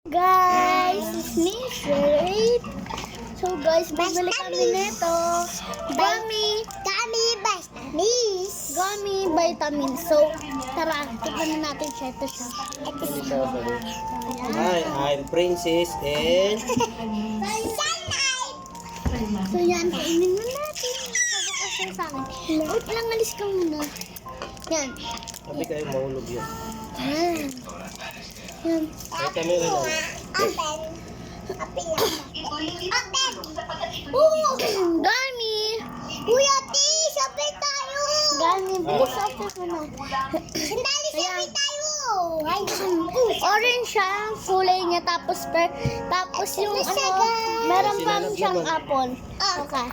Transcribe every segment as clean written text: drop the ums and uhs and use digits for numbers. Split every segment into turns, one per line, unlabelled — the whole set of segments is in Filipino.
Guys, it's me, Sherry. So guys, bibili kami nito. Gummy vitamins. Gummy vitamins. So, tara, tignan natin siya. Ito siya.
Hi, I'm Princess and
So yan, kainin mo natin. Sabakas siya sa akin. Wait lang, alis ka muna. Yan.
sabi kayo mahulog yun.
Yan. Yan.
Ay kami rin lang.
Gummy! Kuya T, sabay tayo! Gummy, bilis sabay mo na. Sandali, sabay tayo! Orange siya, kulay niya, tapos yung ano, meron pang siyang apple. Okay.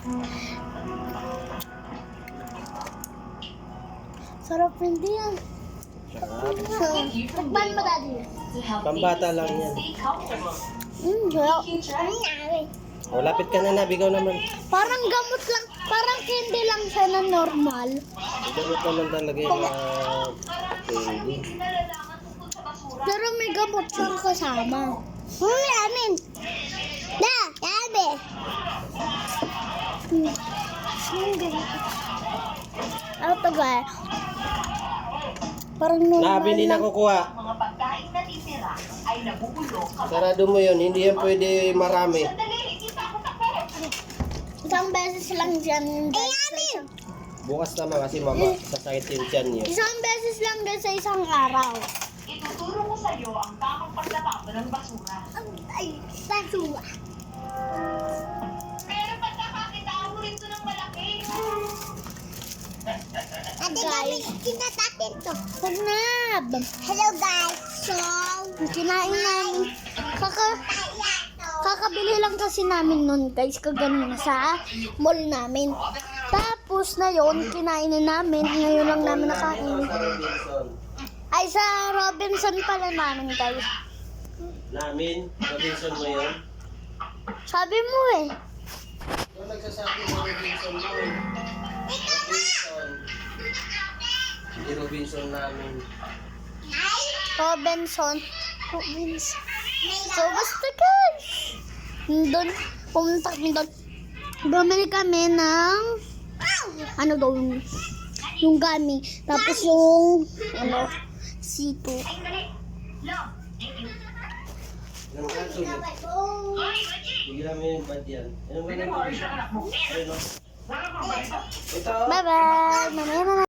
Sarap hindi yan.
Sarap.
So, nagban mo daddy?
Pambata lang yan.
Sarap.
O, lapit ka na, bigaw naman.
Parang gamot lang, parang candy lang siya na normal.
Gamot naman talaga yung candy.
Pero may gamot siyang kasama. Amin. Da, yabe. Ano to guys? Parang normal
Nabili na
lang.
kukuha.
Mga pagkain na titira ay nabubulok kapag
Sarado mo yun, hindi yan pwede marami.
sandali, hindi pa ako tapos.
Isang beses lang dyan.
Bukas naman kasi sasakit yung tiyan niyo.
Isang beses lang guys sa isang araw.
Ituturo ko sa iyo ang tamang pagtatapon ng basura.
Ay, basura.
Pero pagkakakita mo rin ito ng malaki.
Guys, kinatatin to. Sarap. Hello guys. So, kinain namin. Kakabili lang kasi namin nun guys, kaganina sa mall namin. Tapos na yon kinain na namin. Ngayon lang namin nakain. Ay, sa Robinson pala namin guys.
Namin, Robinson mo yun.
Sabi mo eh.
Yung nagsasabi mo Robinson mo eh. Robinson. Hindi Robinson namin.
Robinson. So, basta guys. Doon, pumunta kami doon. Bumili kami ng, ano daw, yung gummy. Tapos yung, C2.
Anong kaso yun? Bigyan mo yung bad yan. Anong ganun? Ayun o. Ito.
Bye-bye. Mamaya na.